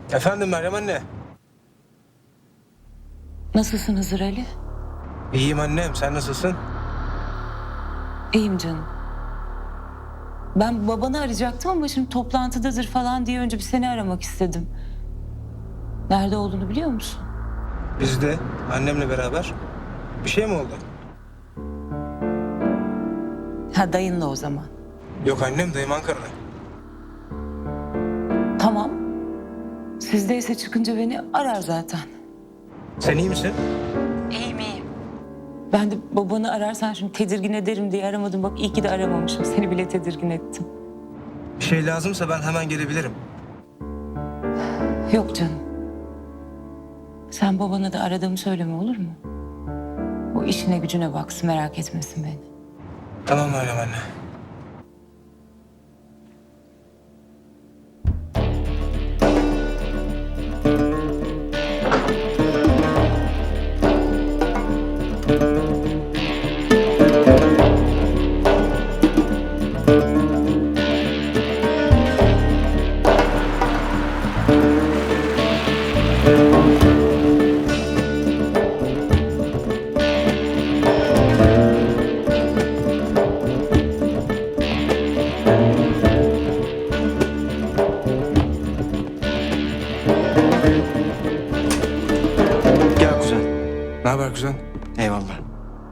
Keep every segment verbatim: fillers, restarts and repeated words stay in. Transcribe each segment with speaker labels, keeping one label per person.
Speaker 1: Efendim Meryem anne.
Speaker 2: Nasılsın Hızır Ali?
Speaker 1: İyiyim annem, sen nasılsın?
Speaker 2: İyiyim canım. Ben babanı arayacaktım ama şimdi toplantıdadır falan diye önce bir seni aramak istedim. Nerede olduğunu biliyor musun?
Speaker 1: Biz de annemle beraber. Bir şey mi oldu?
Speaker 2: Ha, dayınla o zaman.
Speaker 1: Yok annem, dayım Ankara'da.
Speaker 2: Tamam. Sizdeyse çıkınca beni arar zaten.
Speaker 1: Sen iyi misin?
Speaker 2: İyiyim iyiyim. Ben de babanı ararsan şimdi tedirgin ederim diye aramadım. Bak iyi ki de aramamışım. Seni bile tedirgin ettim.
Speaker 1: Bir şey lazımsa ben hemen gelebilirim.
Speaker 2: Yok canım. Sen babana da aradığımı söyleme, olur mu? O işine gücüne baksın, merak etmesin beni.
Speaker 1: Tamam Meryem anne.
Speaker 3: Gel kuzen.
Speaker 1: Ne haber kuzen?
Speaker 3: Eyvallah.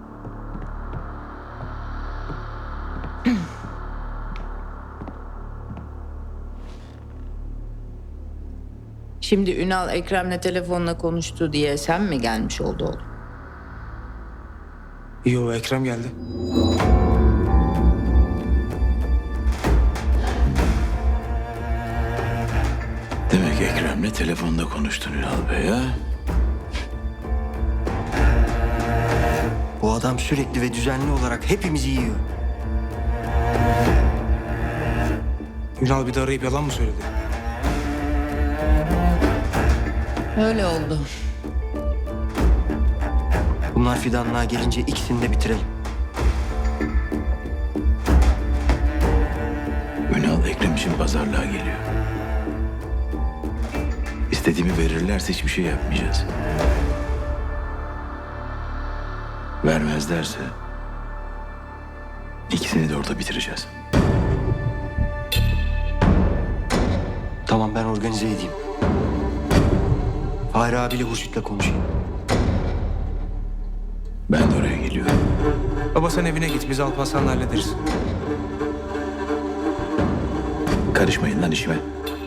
Speaker 4: Şimdi Ünal Ekrem'le telefonla konuştu diye sen mi gelmiş oldu oğlum?
Speaker 1: Yo, Ekrem geldi.
Speaker 5: Demek Ekrem'le telefonda konuştun Ünal Bey ha?
Speaker 3: Bu adam sürekli ve düzenli olarak hepimizi yiyor.
Speaker 1: Ünal bir de arayıp yalan mı söyledi?
Speaker 4: Öyle oldu.
Speaker 3: Bunlar fidanlığa gelince ikisini de bitirelim.
Speaker 5: Ünal Ekrem için pazarlığa geliyor. İstediğimi verirlerse hiçbir şey yapmayacağız. Vermezlerse ikisini de orada bitireceğiz.
Speaker 3: Tamam, ben organize edeyim. Fahri abiyle Hurşit'le konuşayım.
Speaker 5: Ben de oraya geliyorum.
Speaker 1: Baba sen evine git, biz Alparslan'la hallederiz.
Speaker 5: Karışmayın lan işime.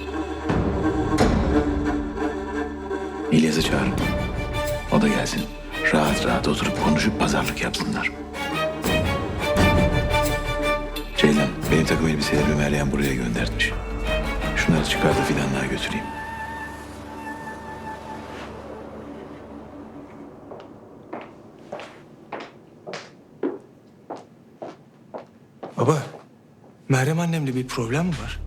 Speaker 5: İlyas'ı çağırın. O da gelsin. Rahat rahat oturup konuşup pazarlık yapsınlar. Ceylan, benim takım elbiselerimi Meryem buraya göndermiş. Şunları çıkar da fidanlığa götüreyim.
Speaker 1: Baba, Meryem annemle bir problem mi var?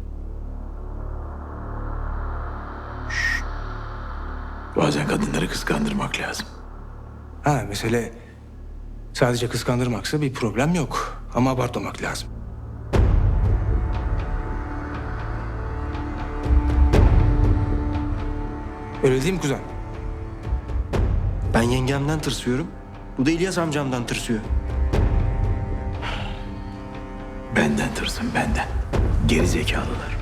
Speaker 5: Bazen kadınları kıskandırmak lazım.
Speaker 1: Ha, mesele sadece kıskandırmaksa bir problem yok. Ama abartmamak lazım. Öyle değil mi kuzen?
Speaker 3: Ben yengemden tırsıyorum. Bu da İlyas amcamdan tırsıyor.
Speaker 5: Benden tırsın benden. Geri zekalılar.